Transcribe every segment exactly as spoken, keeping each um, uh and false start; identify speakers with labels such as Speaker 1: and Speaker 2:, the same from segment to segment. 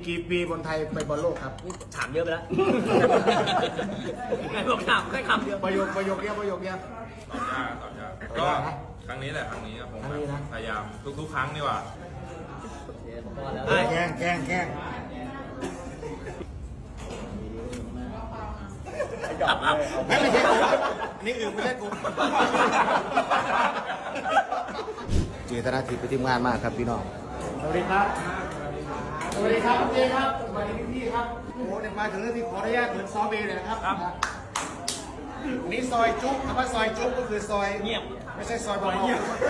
Speaker 1: กี่ปีบอลไทยไปบอลโลกครับ
Speaker 2: ถามเยอะไปแล้วไงบอกถามแค่คำเดียว
Speaker 1: ประโยคประโยคเดียวประโยคเดียว
Speaker 3: ตอบยากตอบยากก็ครั้งนี้แหละครั้งนี้ผม
Speaker 1: ครั้งนี้นะ
Speaker 3: พยายามทุกๆ ครั้งดีกว่า
Speaker 1: แกล้งแกล้งแกล้ง
Speaker 2: จับอัพ
Speaker 1: ไม่ไม่ใช่กูนี่อื่นไม่ใช่กูเจตนาทิพย์ไปทีมงานมากครับพี่น้องสวัสดีครับสวัสดีครับเจครับสวัสดีพี่ๆครับโอ้เดี๋ยวมาถึงเรื่องที่ขออนุญาตเหมือนซอเบย์เลยนะครับนี่ซอยจุ๊บคำว่าซอยจุ๊บก็คือซอย
Speaker 2: เงียบ
Speaker 1: ไม่ใช่ซอยบอล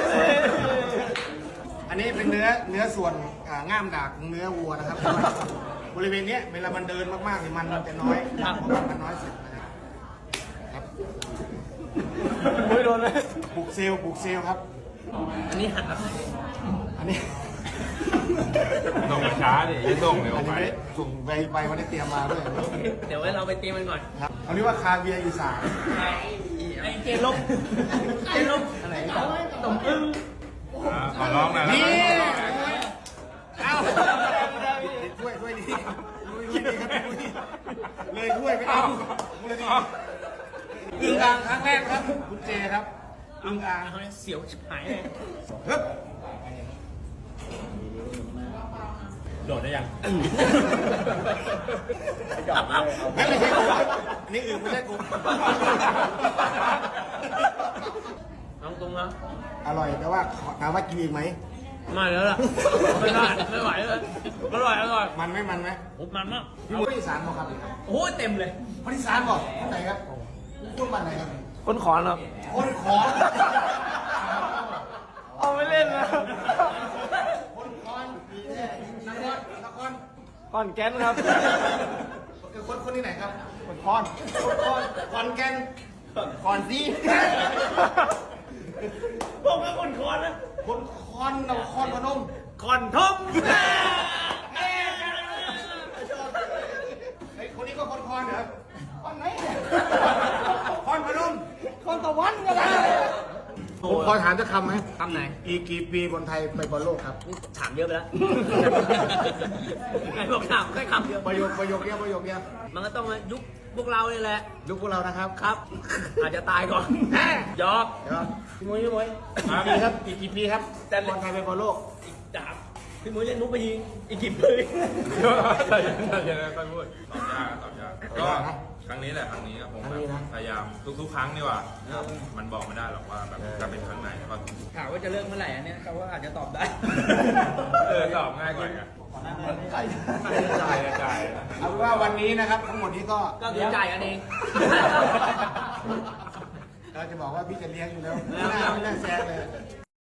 Speaker 1: อันนี้เป็นเนื้อเนื้อส่วนอ่าง่ามดากของเนื้อวัวนะครับ บริเวณเนี้ยเวลามันเดินมากๆเนี่ยมันมันจะน้อยเพราะมันน้อยสุดนะครับครับ
Speaker 2: ไม่โดนเลย
Speaker 1: ปลูกเซลล์ปลูกเซลล์ครับ
Speaker 2: อันนี้หัน
Speaker 1: อันนี้
Speaker 3: ส่งช้าดิอย่าส่งเร็ว
Speaker 1: อัน
Speaker 3: ไป
Speaker 1: นี้ส่งไปไปวันนี้เตรียมมาด้วย
Speaker 2: เดี๋ยวไว้เราไปเตรียมมันก่อน
Speaker 1: ครับเอาเรียกว่าคาเวียร์อีสาน
Speaker 2: ไอ้เจลบเจลบอะไรตมอึ้ง
Speaker 3: อ่าขอร้องหน่อยแล้ว
Speaker 1: นี่
Speaker 3: กัน
Speaker 1: เอาถ้วยถ้วยดีถ้วยดีครับถ้วยดีเลยถ้วยไม่เอาเลยดีอึ่งอ่างครั้งแรกครับคุณเจครับอึ่งอ่าง
Speaker 2: เขาเนี่ยเสียวชิบหายเลย
Speaker 1: ฮึบ
Speaker 2: โดดได้ยังจับอัพ
Speaker 1: ไม่ไม่ใช่กูนี่อื่นไม่ใช่กู
Speaker 2: น้องตรงนะ
Speaker 1: อร่อยแต่ว่าถามว่ากินอีกไหม
Speaker 2: มาแล้วล่ะไม่ได้ไม่ไหวเลยอร่อยอร่อย
Speaker 1: มันไหมมันไหม
Speaker 2: โอ้มันมาก
Speaker 1: พี่มุ้ยอีสานบอกครับ
Speaker 2: โอ้เต็มเลย
Speaker 1: คนอีสานบอกที่ไหนครับพูดบ้านไหนครับ
Speaker 2: คนขอนครับ
Speaker 1: คนขอน
Speaker 2: เอาไม่เล่นนะ
Speaker 1: คนขอนนครนคร
Speaker 2: ขอนแก่นครับ
Speaker 1: คือคนคนที่ไหนครับคนขอนคนขอนขอนแก่นขอนซี
Speaker 2: ผมก็คนขอนนะ
Speaker 1: คนขอนนครพนม
Speaker 2: ขอนทม
Speaker 1: ไอ้คนนี้ก็คนขอนเหรอขอนไหนเนี่ยขอนพนม
Speaker 2: คนตะวันก็ได้
Speaker 1: ผมขอถามจะคำไหม
Speaker 2: คำไหน
Speaker 1: อีกกี่ปีบอลไทยไปบอลโลกครับ
Speaker 2: ถามเยอะไปแล้วไงบอกถามแค่คำเดียว
Speaker 1: ประโยคประโยคเดียวประโยคเดียว
Speaker 2: มันก็ต้องมายุคพวกเราเนี่ยแหละ
Speaker 1: ยุคพวกเรานะครับ
Speaker 2: ครับ อาจจะตายก่อนยอก
Speaker 1: เดี๋ยวพี่มุ้ยพี่มุ้ยกี่ปีครับอีกกี่ปีครับบอลไทยไปบอลโลก
Speaker 2: อีกดาบพี่มุ้ยเล่นนุ๊กไปยิงอีกกี่ปี
Speaker 3: ใช่ใช่ใช่ค่อยพูดตอบยากตอบยากก็ครั้งนี้แหละครั้งนี้ผม
Speaker 1: ครั้งนี้นะ
Speaker 3: พยายามทุกๆ ครั้งดีกว่า มันบอกไม่ได้หรอกว่าแบบจะเป็นครั้งไหนก็
Speaker 2: ถามว่าจะเลิกเมื่อไหร่อันเนี้ยเขาว่าอาจจะตอบได้
Speaker 3: เออตอบง่ายกว่าอีกอะจ่ายจ่าย
Speaker 1: เอาเป็นว่าวันนี้นะครับทั้งหมดนี้ก็
Speaker 2: ก็คือจ่ายกันเอง
Speaker 1: เราจะบอกว่าพี่จะเลี้ยงอยู่แล้วไม่น่าไม่น่าแซงเลย